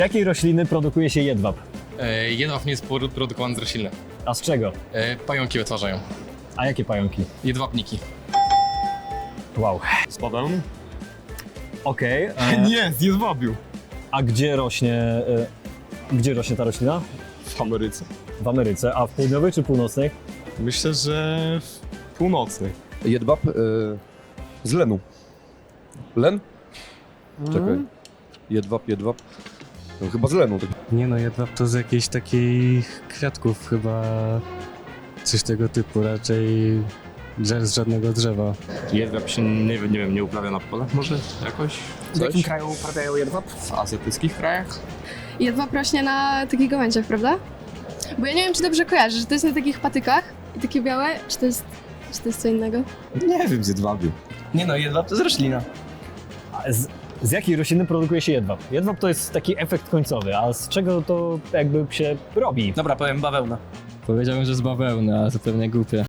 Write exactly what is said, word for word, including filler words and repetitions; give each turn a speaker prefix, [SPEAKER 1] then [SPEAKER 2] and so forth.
[SPEAKER 1] jakiej rośliny produkuje się jedwab?
[SPEAKER 2] E, jedwab nie jest poru- produkowany z rośliny.
[SPEAKER 1] A z czego?
[SPEAKER 2] E, pająki wytwarzają.
[SPEAKER 1] A jakie pająki?
[SPEAKER 2] Jedwabniki.
[SPEAKER 1] Wow.
[SPEAKER 3] Z bawełny?
[SPEAKER 1] Okej. e,
[SPEAKER 3] Nie, z jedwabiu.
[SPEAKER 1] A gdzie rośnie, e, gdzie rośnie ta roślina?
[SPEAKER 3] W Ameryce.
[SPEAKER 1] W Ameryce. A w południowej czy północnej?
[SPEAKER 3] Myślę, że w północnej.
[SPEAKER 4] Jedwab y, z lenu. Len? Czekaj. Jedwab, jedwab. No, chyba z lenu.
[SPEAKER 5] Nie no, jedwab to z jakichś takich kwiatków chyba, coś tego typu, raczej drzew z żadnego drzewa.
[SPEAKER 3] Jedwab się, nie, nie wiem, nie uprawia na polach może jakoś?
[SPEAKER 6] W jakim kraju uprawiają jedwab?
[SPEAKER 3] W azjatyckich krajach?
[SPEAKER 7] Jedwab rośnie na takich gałęziach, prawda? Bo ja nie wiem, czy dobrze kojarzę, że to jest na takich patykach i takie białe, czy to jest, czy to jest co innego?
[SPEAKER 3] Nie wiem, z jedwabiu.
[SPEAKER 6] Nie no, jedwab to jest roślina.
[SPEAKER 1] A z, z jakiej rośliny produkuje się jedwab? Jedwab to jest taki efekt końcowy, a z czego to jakby się robi?
[SPEAKER 6] Dobra, powiem bawełna.
[SPEAKER 5] Powiedziałbym, że z bawełny, ale to pewnie głupie.